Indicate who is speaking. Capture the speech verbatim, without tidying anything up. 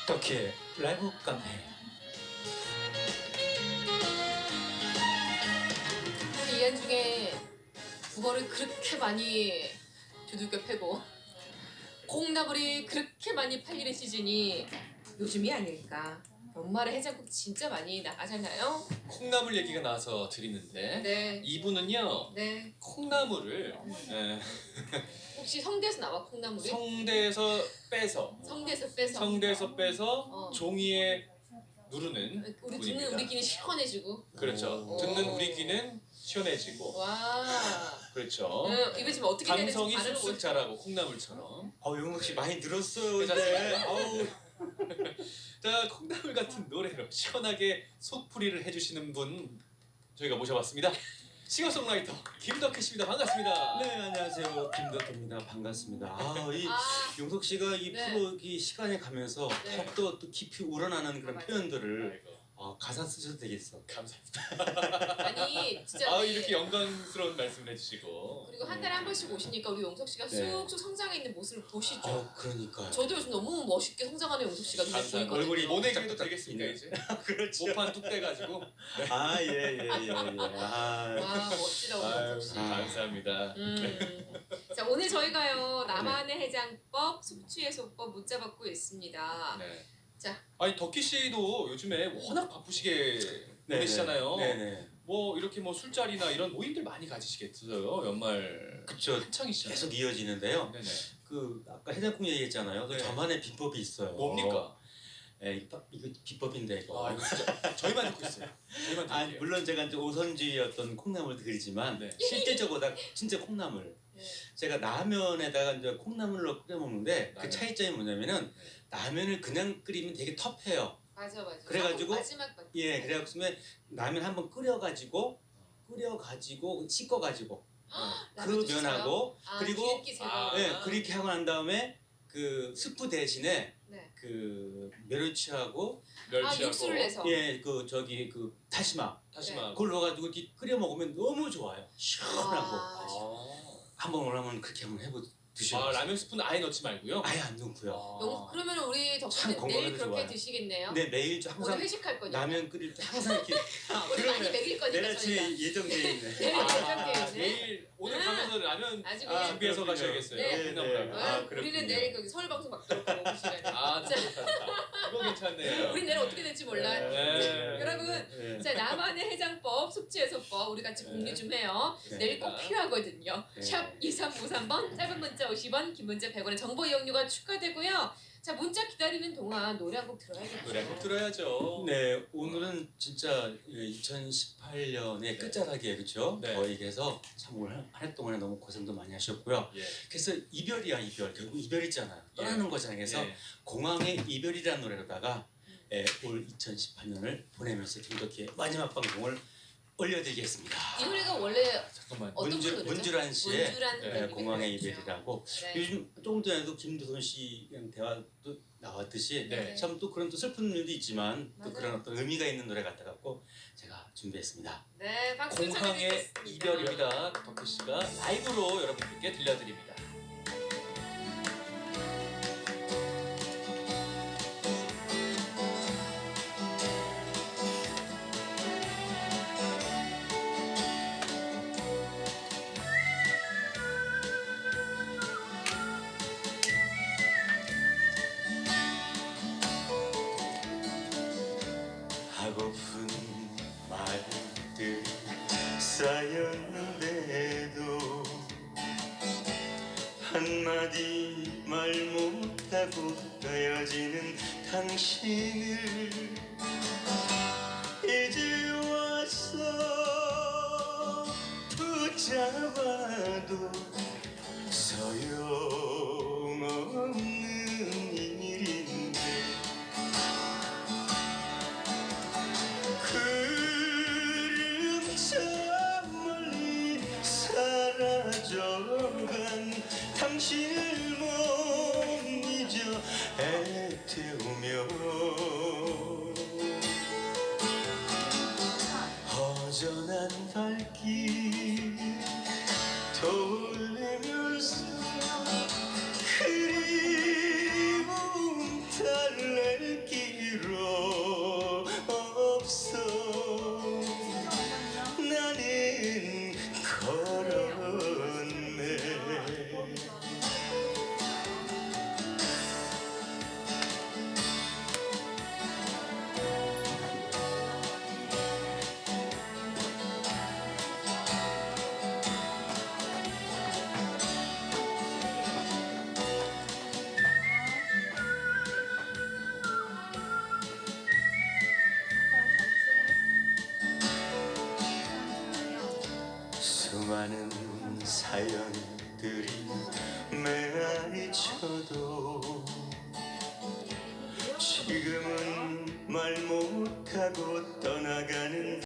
Speaker 1: 덕희의 라이브 카페.
Speaker 2: 이 안중에 국어를 그렇게 많이 두들겨 패고 콩나물이 그렇게 많이 팔리는 시즌이 요즘이 아닐까. 연말에 해장국 진짜 많이 나가잖아요.
Speaker 3: 콩나물 얘기가 나와서 드리는데
Speaker 2: 네.
Speaker 3: 이분은요
Speaker 2: 네.
Speaker 3: 콩나물을 예,
Speaker 2: 혹시 성대에서 나와 콩나물이?
Speaker 3: 성대에서 빼서
Speaker 2: 성대에서 빼서.
Speaker 3: 성대에서 빼서
Speaker 2: 어.
Speaker 3: 종이에 누르는
Speaker 2: 우리 듣는
Speaker 3: 분입니다.
Speaker 2: 우리 귀는 시원해지고.
Speaker 3: 그렇죠.
Speaker 2: 오.
Speaker 3: 듣는 우리 귀는 시원해지고.
Speaker 2: 와.
Speaker 3: 그렇죠.
Speaker 2: 음, 이거 지금 어떻게 해야 되는지
Speaker 3: 감성이
Speaker 2: 발음을
Speaker 3: 쑥쑥
Speaker 2: 못-
Speaker 3: 자라고 콩나물처럼.
Speaker 1: 어, 용석 씨 많이 늘었어요.
Speaker 3: 괜찮습니까?
Speaker 1: 이제. 아우.
Speaker 3: 자, 콩나물 같은 노래로 시원하게 속풀이를 해주시는 분 저희가 모셔봤습니다. 싱어송라이터 김덕희 씨입니다. 반갑습니다.
Speaker 1: 네, 안녕하세요. 김덕희입니다. 반갑습니다. 아, 이
Speaker 2: 아.
Speaker 1: 용석 씨가 이
Speaker 2: 네.
Speaker 1: 프로 이 시간에 가면서
Speaker 2: 네.
Speaker 1: 더욱더 또 깊이 우러나는 그런
Speaker 2: 맞아요.
Speaker 1: 표현들을
Speaker 3: 아이고,
Speaker 1: 어, 가사 쓰셔도 되겠어.
Speaker 3: 감사합니다.
Speaker 2: 아니 진짜.
Speaker 3: 아, 이렇게 영광스러운 말씀을 해주시고.
Speaker 2: 그리고 한 달에 한 번씩 오시니까 우리 용석 씨가
Speaker 1: 네.
Speaker 2: 쑥쑥 성장해 있는 모습을 보시죠.
Speaker 1: 어, 그러니까요.
Speaker 2: 저도 요즘 너무 멋있게 성장하는 용석 씨가 눈에
Speaker 3: 감사합니다.
Speaker 2: 보이거든요.
Speaker 1: 얼굴이
Speaker 3: 모내기도
Speaker 1: 짝짝짝
Speaker 3: 되겠습니까
Speaker 1: 있네요.
Speaker 3: 이제?
Speaker 1: 그렇죠.
Speaker 3: 모판 뚝 떼가지고.
Speaker 1: 아, 예, 예, 예, 예. 아.
Speaker 2: 와 멋지다 우리
Speaker 3: 아유,
Speaker 2: 용석 씨.
Speaker 1: 아.
Speaker 3: 감사합니다.
Speaker 2: 음. 자 오늘 저희가요 나만의 해장법, 숙취해소법 문자 받고 있습니다.
Speaker 3: 네.
Speaker 2: 자
Speaker 3: 아니 덕희 씨도 요즘에 워낙 바쁘시게 보내시잖아요.
Speaker 1: 네네.
Speaker 3: 뭐 이렇게 뭐 술자리나 이런 모임들 많이 가지시겠어요. 연말
Speaker 1: 그쵸.
Speaker 3: 한창이시잖아요.
Speaker 1: 계속 이어지는데요.
Speaker 3: 네네.
Speaker 1: 그 아까 해장국 얘기했잖아요. 그
Speaker 3: 네.
Speaker 1: 저만의 비법이 있어요.
Speaker 3: 뭡니까?
Speaker 1: 예, 이거, 이거 비법인데 이거.
Speaker 3: 아 이거 진짜 저희만 듣고 있어요. 저희만
Speaker 1: 아니,
Speaker 3: 듣게요.
Speaker 1: 물론 제가 이제 오선지였던 콩나물도 그리지만
Speaker 3: 네.
Speaker 1: 실제적으로 진짜 콩나물.
Speaker 2: 네.
Speaker 1: 제가 라면에다가 이제 콩나물로 끓여 먹는데 그
Speaker 3: 라면.
Speaker 1: 차이점이 뭐냐면은 라면을 그냥 끓이면 되게 텁해요.
Speaker 2: 맞아 맞아.
Speaker 1: 그래가지고-
Speaker 2: 마지막 거.
Speaker 1: 예, 그래가지고 라면 한번 끓여가지고 끓여가지고 씻어가지고 그
Speaker 2: 라면도 씻어요?
Speaker 1: 면하고
Speaker 2: 아,
Speaker 1: 그리고
Speaker 2: 기름기 제거.
Speaker 3: 아.
Speaker 1: 예, 그렇게 하고 난 다음에 그 스프 대신에
Speaker 2: 네.
Speaker 1: 그 멸치하고
Speaker 2: 아
Speaker 3: 멸치하고
Speaker 2: 육수를 내서.
Speaker 1: 예, 그 저기 그 다시마
Speaker 3: 다시마.
Speaker 1: 그걸 넣어가지고 이렇게 끓여 먹으면 너무 좋아요. 시원하고
Speaker 2: 아,
Speaker 3: 아.
Speaker 1: 한번 오라면 그렇게 한번 해보 드셔.
Speaker 3: 아 라면 스푼 아예 넣지 말고요.
Speaker 1: 아예 안 넣고요.
Speaker 2: 용, 그러면 우리
Speaker 1: 참
Speaker 2: 덕분에
Speaker 1: 건강에도
Speaker 2: 내일 그렇게
Speaker 1: 좋아요.
Speaker 2: 드시겠네요.
Speaker 1: 네, 매일 저
Speaker 2: 오늘
Speaker 1: 항상
Speaker 2: 회식할 거니까.
Speaker 1: 라면 끓일 때 항상 이렇게
Speaker 2: 우리 많이 먹일 거니까
Speaker 1: 내일 아침에
Speaker 2: 저희가.
Speaker 1: 예정돼 있네.
Speaker 2: 내일
Speaker 3: 아,
Speaker 2: 예정돼 있네.
Speaker 3: 내일 오늘
Speaker 2: 음.
Speaker 3: 가면서 라면
Speaker 2: 아주
Speaker 1: 아,
Speaker 2: 그냥.
Speaker 3: 준비해서
Speaker 1: 그렇군요.
Speaker 3: 가셔야겠어요.
Speaker 2: 네.
Speaker 3: 콩나물 라면.
Speaker 1: 네. 아,
Speaker 2: 어, 우리는
Speaker 1: 그렇군요.
Speaker 2: 내일 거기 서울 방송 막도록 하고 오시라니.
Speaker 3: 아,
Speaker 2: 자,
Speaker 3: 이거 괜찮네요.
Speaker 2: 우리 내일 어떻게 될지 몰라.
Speaker 3: 네.
Speaker 2: 여러분,
Speaker 1: 네.
Speaker 2: 자 나만의 해장법, 숙취해소법 우리 같이 공유 좀 해요.
Speaker 1: 네.
Speaker 2: 내일 꼭 필요하거든요.
Speaker 1: 네.
Speaker 2: 샵 이삼오삼 번, 짧은 문자 오십 원, 긴 문자 백 원의 정보 이용료가 추가되고요. 자 문자 기다리는 동안 노래 한 곡 들어야겠죠.
Speaker 3: 노래 꼭 들어야죠.
Speaker 1: 네, 오늘은 진짜 이천십팔 년의 끝자락이에요, 그렇죠?
Speaker 3: 네.
Speaker 1: 저에게서 참 올 한 해 동안에 너무 고생도 많이 하셨고요.
Speaker 3: 예.
Speaker 1: 그래서 이별이야 이별, 결국 이별이잖아요. 떠나는 거잖아요. 그래서
Speaker 3: 예.
Speaker 1: 공항의 이별이라는 노래로다가 예, 올 이천십팔 년을 보내면서 김덕희의 마지막 방송을 올려드리겠습니다.
Speaker 2: 이 노래가 원래
Speaker 3: 잠깐만.
Speaker 2: 어떤
Speaker 1: 문주,
Speaker 2: 노래죠?
Speaker 1: 문주란 씨의
Speaker 2: 문주란
Speaker 3: 네,
Speaker 1: 예,
Speaker 2: 노래가
Speaker 1: 공항의
Speaker 2: 있죠.
Speaker 1: 이별이라고
Speaker 2: 네.
Speaker 1: 요즘 조금 전에도 김두선 씨랑 대화도 나왔듯이
Speaker 3: 네.
Speaker 1: 참 또 그런 또 슬픈 일도 있지만 또
Speaker 2: 맞아요.
Speaker 1: 그런 어떤 의미가 있는 노래 같아 갖고 제가 준비했습니다.
Speaker 2: 네, 박수
Speaker 3: 공항의
Speaker 2: 쳐드리겠습니다.
Speaker 3: 이별입니다. 덕희 씨가 라이브로 여러분들께 들려드립니다.
Speaker 1: 하고픈 말들 쌓였는데도 한마디 말 못하고 헤어지는 당신을 이제 와서 붙잡아도 소용없는 일인데 구름 저 멀리 사라져간 당신을 못 잊어 애태우며 허전한 발길 돌리면서 수많은 사연들이 메아리쳐도 지금은 말 못하고 떠나가는